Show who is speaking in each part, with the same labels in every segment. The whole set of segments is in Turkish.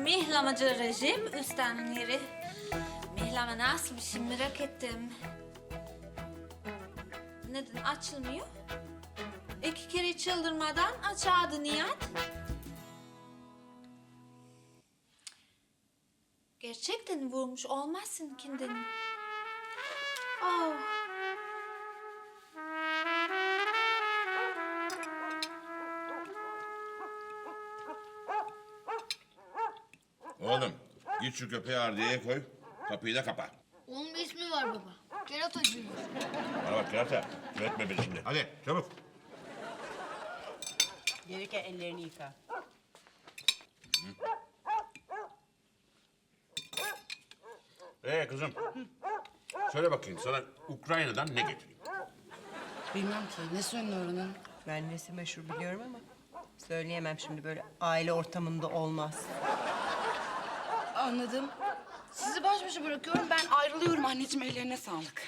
Speaker 1: Mihlamacı rejim üstlerinin yeri. Mihlama nasıl bir şey merak ettim. Neden açılmıyor? 2 kere çıldırmadan açardı Nihat. Gerçekten vurmuş olmazsın kendini. Oh.
Speaker 2: Oğlum git şu köpeği ardiyeye koy. Kapıyı da kapa.
Speaker 3: Onun bir ismi var baba. Kerata Junior.
Speaker 2: Bana bak Kerata. Üretme beni şimdi. Hadi çabuk.
Speaker 4: Gelirken ellerini yıka.
Speaker 2: Kızım. Söyle bakayım sana Ukrayna'dan ne getireyim?
Speaker 5: Bilmem ki. Ne söylüyor oranın?
Speaker 4: Ben nesi meşhur biliyorum ama söyleyemem şimdi, böyle aile ortamında olmaz.
Speaker 5: Anladım. Sizi baş başa bırakıyorum. Ben ayrılıyorum anneciğim. Ellerine sağlık.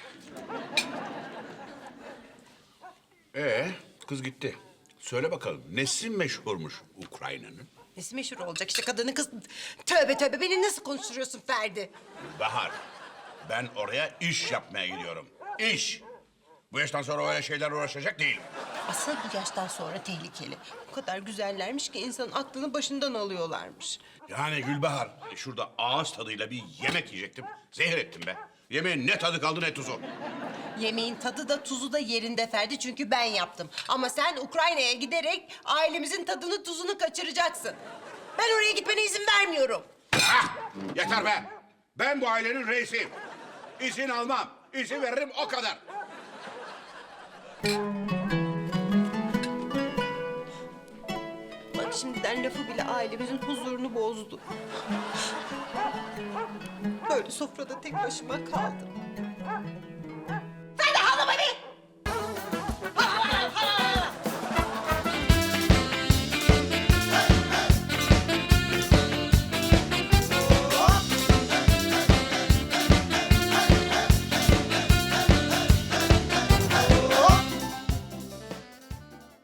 Speaker 2: Kız gitti. Söyle bakalım nesi meşhurmuş Ukrayna'nın?
Speaker 4: Nesi meşhur olacak işte, kadının kız. Tövbe tövbe, beni nasıl konuşturuyorsun Ferdi?
Speaker 2: Bahar. Ben oraya iş yapmaya gidiyorum. İş. Bu yaştan sonra öyle şeyler uğraşacak değilim.
Speaker 4: Asıl bu yaştan sonra tehlikeli. O kadar güzellermiş ki insanın aklını başından alıyorlarmış.
Speaker 2: Yani Gülbahar şurada ağız tadıyla bir yemek yiyecektim. Zehir ettim be. Yemeğin ne tadı kaldı ne tuzu.
Speaker 4: Yemeğin tadı da tuzu da yerinde Ferdi, çünkü ben yaptım. Ama sen Ukrayna'ya giderek ailemizin tadını tuzunu kaçıracaksın. Ben oraya gitmene izin vermiyorum.
Speaker 2: Ah! Yeter be. Ben bu ailenin reisiyim. İzin almam. İzin veririm o kadar.
Speaker 4: Bak şimdiden lafı bile ailemizin huzurunu bozdu. Böyle sofrada tek başıma kaldım.